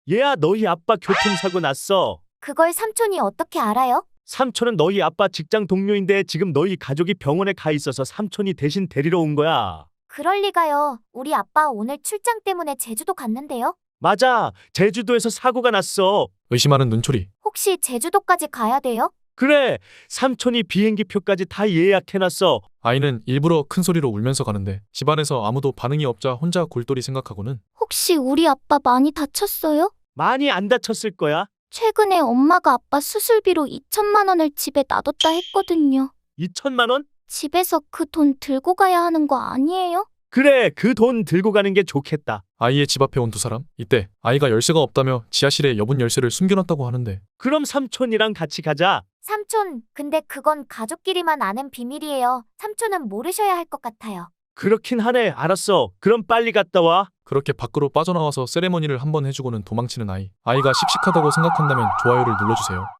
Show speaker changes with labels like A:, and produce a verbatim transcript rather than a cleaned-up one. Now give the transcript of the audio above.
A: 얘야, 너희 아빠 교통사고 났어.
B: 그걸 삼촌이 어떻게 알아요?
A: 삼촌은 너희 아빠 직장 동료인데 지금 너희 가족이 병원에 가 있어서 삼촌이 대신 데리러 온 거야.
B: 그럴 리가요. 우리 아빠 오늘 출장 때문에 제주도 갔는데요.
A: 맞아. 제주도에서 사고가 났어.
C: 의심하는 눈초리.
B: 혹시 제주도까지 가야 돼요?
A: 그래. 삼촌이 비행기 표까지 다 예약해놨어.
C: 아이는 일부러 큰 소리로 울면서 가는데 집안에서 아무도 반응이 없자 혼자 골똘히 생각하고는
B: 혹시 우리 아빠 많이 다쳤어요?
A: 많이 안 다쳤을 거야.
B: 최근에 엄마가 아빠 수술비로 이천만 원을 집에 놔뒀다 했거든요.
A: 이천만 원?
B: 집에서 그 돈 들고 가야 하는 거 아니에요?
A: 그래. 그 돈 들고 가는 게 좋겠다.
C: 아이의 집 앞에 온 두 사람. 이때 아이가 열쇠가 없다며 지하실에 여분 열쇠를 숨겨놨다고 하는데
A: 그럼 삼촌이랑 같이 가자.
B: 삼촌, 근데 그건 가족끼리만 아는 비밀이에요. 삼촌은 모르셔야 할 것 같아요.
A: 그렇긴 하네. 알았어. 그럼 빨리 갔다 와.
C: 그렇게 밖으로 빠져나와서 세레머니를 한번 해주고는 도망치는 아이. 아이가 씩씩하다고 생각한다면 좋아요를 눌러주세요.